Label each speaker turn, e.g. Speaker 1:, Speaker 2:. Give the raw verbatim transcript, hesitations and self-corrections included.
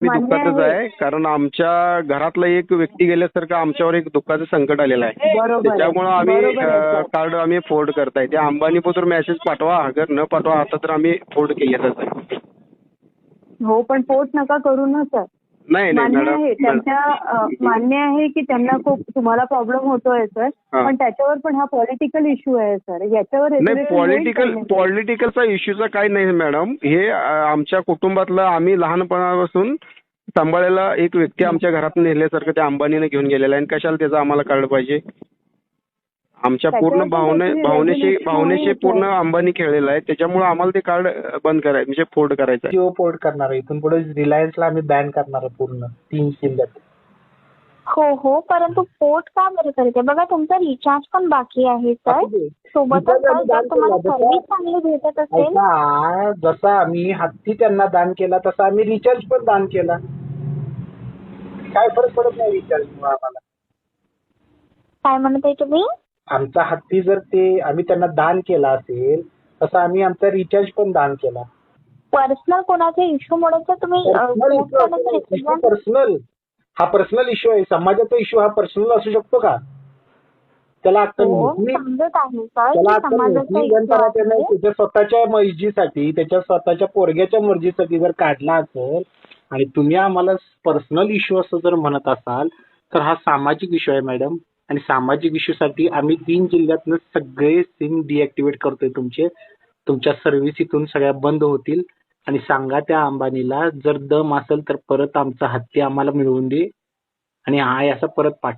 Speaker 1: मी
Speaker 2: मान्य
Speaker 1: दुःखातच
Speaker 2: आहे.
Speaker 1: आहे, कारण आमच्या घरातला एक व्यक्ती गेल्यासारखं आमच्यावर एक दुःखाचं संकट आलेलं आहे.
Speaker 2: बरोबर आहे.
Speaker 1: त्याच्यामुळे आम्ही
Speaker 2: बरोबर आहे, सर.
Speaker 1: कार्ड आम्ही फोल्ड करताय. ते अंबानी पत्र मेसेज पाठवा, अगर न पाठवा आता तर आम्ही फोल्ड केलेलंच आहे.
Speaker 2: हो, पण पोट नका करू ना सर.
Speaker 1: नाही नाही
Speaker 2: मान्य
Speaker 1: मॅडम,
Speaker 2: आहे त्यांच्या अ, मान्य आहे की त्यांना खूप तुम्हाला प्रॉब्लेम होतोय सर,
Speaker 1: हा.
Speaker 2: पण त्याच्यावर पण हा पॉलिटिकल इश्यू आहे सर. याच्यावर
Speaker 1: नाही,
Speaker 2: resolution होईल
Speaker 1: पॉलिटिकल
Speaker 2: काही नाही.
Speaker 1: पॉलिटिकलचा इश्यूचा काही नाही मॅडम. हे अ, आमच्या कुटुंबातलं आम्ही लहानपणापासून सांभाळलेला एक व्यक्ती आमच्या घरात नेल्यासारखं त्या अंबानीने घेऊन गेलेला आहे. आणि कशाला त्याचं आम्हाला कळलं पाहिजे? आमच्या पूर्ण
Speaker 2: त्याच्यावर पण
Speaker 1: भावने
Speaker 2: काहीतरी
Speaker 1: भावनेशी
Speaker 2: resolution
Speaker 1: भावनेशी
Speaker 2: होईल,
Speaker 1: पूर्ण
Speaker 2: सर.
Speaker 1: अंबानी खेळलेला आहे. त्याच्यामुळे आम्हाला ते कार्ड बंद करायचं म्हणजे फोल्ड करायचं आहे.
Speaker 3: जिओ पोर्ट करणार आहे. इथून पुढे रिलायन्सला आम्ही बॅन करणार आहे पूर्ण तीन जिल्ह्यात.
Speaker 4: हो हो, परंतु पोर्ट का बरं करते? बघा तुमचा रिचार्ज पण बाकी आहे सर.
Speaker 3: असू दे.
Speaker 4: सोबतच
Speaker 3: रिचार्ज
Speaker 4: सर
Speaker 3: आम्ही
Speaker 4: जर
Speaker 3: दान
Speaker 4: तुम्हाला
Speaker 3: केला.
Speaker 4: सर्व्हिस
Speaker 3: जसा
Speaker 4: चांगली भेटत असेल
Speaker 3: ऐका, जसा आम्ही हत्ती त्यांना दान केला तसा आम्ही रिचार्ज पण दान केला. काय फरक पडत नाही रिचार्ज मुळे आम्हाला.
Speaker 4: काय म्हणत आहे तुम्ही?
Speaker 3: आमचा हत्ती जर ते आम्ही त्यांना दान केला असेल तसं आम्ही आमचा रिचार्ज पण दान केला.
Speaker 4: पर्सनल कोणाच्या इश्यूमुळे तर तुम्ही अ, पोर्ट करण्याचं decision-
Speaker 3: पर्सनल हा पर्सनल इश्यू आहे. समाजाचा इश्यू हा पर्सनल असू शकतो का? त्याला अक्कल
Speaker 4: हो,
Speaker 3: नाही.
Speaker 4: समजत आहे सर
Speaker 3: त्याला
Speaker 4: की
Speaker 3: अक्कल
Speaker 4: समाजाचा
Speaker 3: नाही.
Speaker 4: इश्यू
Speaker 3: त्याला त्याने
Speaker 4: आहे.
Speaker 3: त्याच्या स्वतःच्या मर्जीसाठी त्याच्या स्वतःच्या पोरग्याच्या मर्जीसाठी जर काढला असेल आणि तुम्ही आम्हाला पर्सनल इश्यू असं जर म्हणत असाल तर हा सामाजिक इश्यू आहे मॅडम. आणि सामाजिक इश्यू साठी आम्ही तीन जिल्ह्यातनं सगळे सिम डिॲक्टिव्हेट करतोय तुमचे. तुमच्या सर्व्हिस इथून सगळ्या बंद होतील. आणि सांगा त्या अंबानीला जर दम असेल तर परत आमचा हत्ती आम्हाला मिळवून दे आणि हा असा परत पाठवा.